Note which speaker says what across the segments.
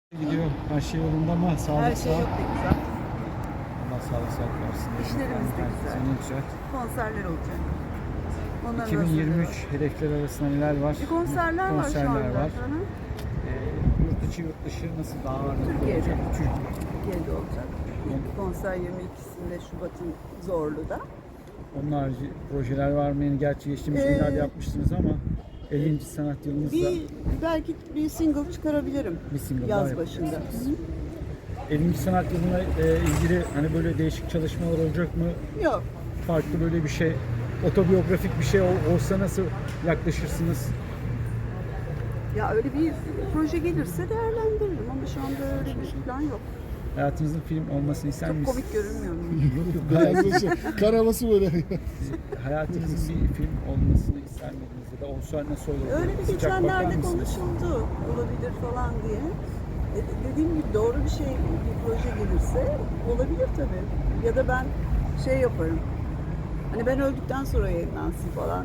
Speaker 1: Gidiyor. Her şey yolunda ama sağlık
Speaker 2: Her şey
Speaker 1: sağlık.
Speaker 2: yok da güzel.
Speaker 1: Allah sağlık sağlık versin.
Speaker 2: İşlerimiz de güzel.
Speaker 1: Senin güzel.
Speaker 2: Konserler olacak. Onların
Speaker 1: 2023
Speaker 2: hazırlığı
Speaker 1: hedefler arasında neler var?
Speaker 2: var. Konserler var şu anda.
Speaker 1: var.
Speaker 2: Hı hı.
Speaker 1: Yurt içi yurt dışı nasıl daha ağırlıklı
Speaker 2: Türkiye'de.
Speaker 1: olacak?
Speaker 2: Türkiye'de olacak. İlk konser 22'sinde Şubat'ın Zorlu'da.
Speaker 1: Onun harici projeler var mı? Yani gerçi geçtiğimiz günlerde yapmıştınız ama 50. sanat yılınızda
Speaker 2: Belki bir single çıkarabilirim
Speaker 1: bir single daha
Speaker 2: yaz
Speaker 1: yapacaksınız.
Speaker 2: başında. Hı hı.
Speaker 1: 50. sanat yılına ilgili hani böyle değişik çalışmalar olacak mı?
Speaker 2: Yok.
Speaker 1: Farklı böyle bir şey, otobiyografik bir şey olsa nasıl yaklaşırsınız?
Speaker 2: Ya öyle bir proje gelirse değerlendiririm ama şu anda öyle bir plan yok.
Speaker 1: Hayatınızın film olmasını ister
Speaker 2: Çok
Speaker 1: misiniz?
Speaker 2: komik görünmüyor mu?
Speaker 3: Biraz şey, karaması böyle.
Speaker 1: Hayatınızın bir film olmasını ister miydiniz ya da olsa nasıl olur?
Speaker 2: Öyle bir
Speaker 1: Sıcak bakar
Speaker 2: geçenlerde
Speaker 1: mısınız?
Speaker 2: konuşuldu. Olabilir falan diye. Dediğim gibi doğru bir şey, bir proje gelirse olabilir tabii. Ya da ben şey yaparım. Hani ben öldükten sonra yayınlansın falan.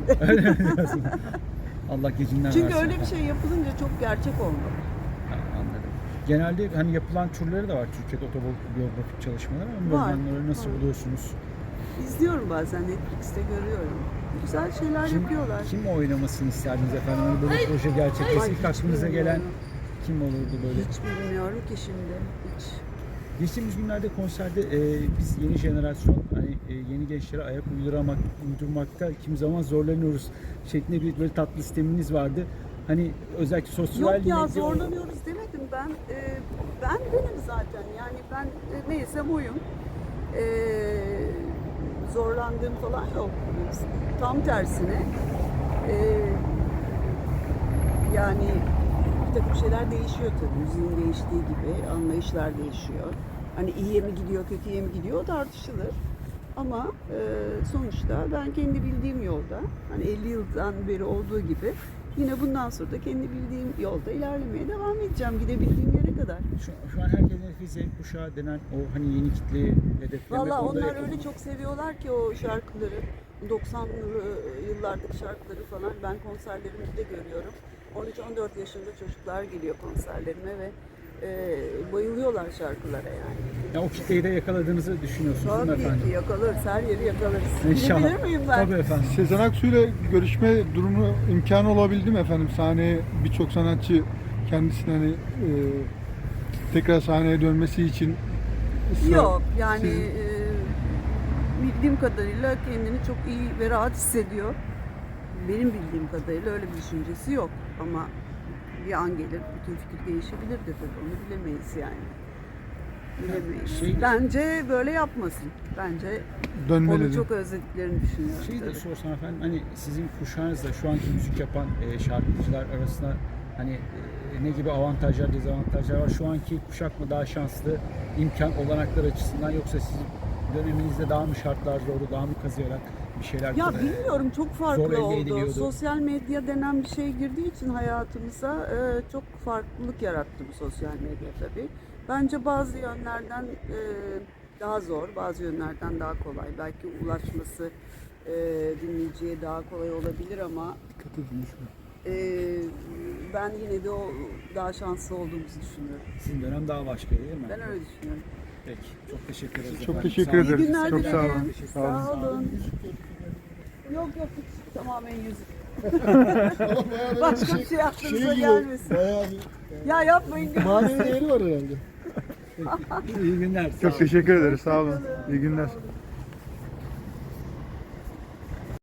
Speaker 1: Allah gecinden
Speaker 2: Çünkü
Speaker 1: versin.
Speaker 2: öyle bir şey yapılınca çok gerçek olmalı.
Speaker 1: Ha, anladım. Genelde hani yapılan türleri de var Türkiye'de otobiyografik çalışmalar ama
Speaker 2: Var,
Speaker 1: onları nasıl
Speaker 2: var.
Speaker 1: buluyorsunuz?
Speaker 2: İzliyorum bazen, Netflix'te görüyorum. Güzel şeyler yapıyorlar.
Speaker 1: Kim oynamasını isterdiniz efendim? Hani böyle proje gerçekleşse
Speaker 2: Ay,
Speaker 1: ilk
Speaker 2: hiç
Speaker 1: aklınıza gelen
Speaker 2: bilmiyorum.
Speaker 1: kim olurdu böyle?
Speaker 2: Hiç bilmiyorum ki şimdi. Hiç.
Speaker 1: Geçtiğimiz günlerde konserde biz yeni jenerasyon hani yeni gençlere ayak uydurmakta kimi zaman zorlanıyoruz şeklinde bir böyle tatlı sisteminiz vardı. Hani özellikle sosyal
Speaker 2: Yok ya
Speaker 1: medya-
Speaker 2: zorlanıyoruz demedim ben. Ben benim zaten yani ben neysem oyum. Zorlandığım falan yok. Tam tersine. Yani bir takım şeyler değişiyor tabii. Müziğin değiştiği gibi anlayışlar değişiyor. Hani iyiye mi gidiyor, kötüye mi gidiyor o tartışılır. Ama sonuçta ben kendi bildiğim yolda, hani 50 yıldan beri olduğu gibi yine bundan sonra da kendi bildiğim yolda ilerlemeye devam edeceğim gidebildiğim yere kadar.
Speaker 1: Şu an herkesin hedefi Z kuşağı denen o hani yeni kitleyi hedeflemek.
Speaker 2: Valla
Speaker 1: onda
Speaker 2: onlar öyle çok seviyorlar ki o şarkıları, 90'lı yıllardaki şarkıları falan ben konserlerimde de görüyorum. 13-14 yaşında çocuklar geliyor konserlerime ve bayılıyorlar şarkılara yani.
Speaker 1: Ya o kitleyi de yakaladığınızı düşünüyorsunuz değil mi
Speaker 2: Tabii
Speaker 1: efendim?
Speaker 2: ki yakalarız, her yeri yakalarız.
Speaker 1: İnşallah.
Speaker 2: Bilebilir miyim ben?
Speaker 1: Tabii efendim.
Speaker 3: Sezen Aksu ile görüşme durumu imkanı olabildi mi efendim? Sahneye birçok sanatçı kendisine hani tekrar sahneye dönmesi için
Speaker 2: Yok yani
Speaker 3: Sizin-
Speaker 2: bildiğim kadarıyla kendini çok iyi ve rahat hissediyor. Benim bildiğim kadarıyla öyle bir düşüncesi yok ama bir an gelir bütün fikir değişebilir de tabii onu bilemeyiz yani. Bilemeyiz. Bence böyle yapmasın. Bence
Speaker 3: dönmeli.
Speaker 2: onu çok özlediklerini düşünüyorum.
Speaker 1: Şeyi de
Speaker 2: tabii.
Speaker 1: sorsam efendim hani sizin kuşağınızla şu anki müzik yapan şarkıcılar arasında hani ne gibi avantajlar dezavantajlar var? Şu anki kuşak mı daha şanslı imkan olanaklar açısından yoksa sizin döneminizde daha mı şartlar zordu, daha mı kazıyarak bir şeyler
Speaker 2: Ya bilmiyorum çok
Speaker 1: zor
Speaker 2: farklı
Speaker 1: elde
Speaker 2: oldu.
Speaker 1: ediliyordu.
Speaker 2: Sosyal medya denen bir şey girdiği için hayatımıza çok farklılık yarattı bu sosyal medya tabii. Bence bazı yönlerden daha zor, bazı yönlerden daha kolay. Belki ulaşması dinleyiciye daha kolay olabilir ama ben yine de o daha şanslı olduğumuzu düşünüyorum.
Speaker 1: Sizin dönem daha başka değil mi?
Speaker 2: Ben öyle düşünüyorum.
Speaker 1: Peki. Çok teşekkür ederiz
Speaker 3: Çok
Speaker 1: efendim.
Speaker 3: teşekkür
Speaker 1: Sağ olun.
Speaker 2: İyi
Speaker 3: ederiz.
Speaker 2: günler
Speaker 3: Çok sağ
Speaker 2: dilerim.
Speaker 3: olun.
Speaker 2: Sağ olun. Yok hiç tamamen yüzük. Başka bir şey aklınıza gelmesin.
Speaker 3: Bayağı
Speaker 2: Ya yapmayın.
Speaker 3: bir manevi değeri var herhalde.
Speaker 1: İyi günler. Sağ
Speaker 3: Çok
Speaker 1: olun.
Speaker 3: teşekkür ederiz. Sağ olun. İyi günler.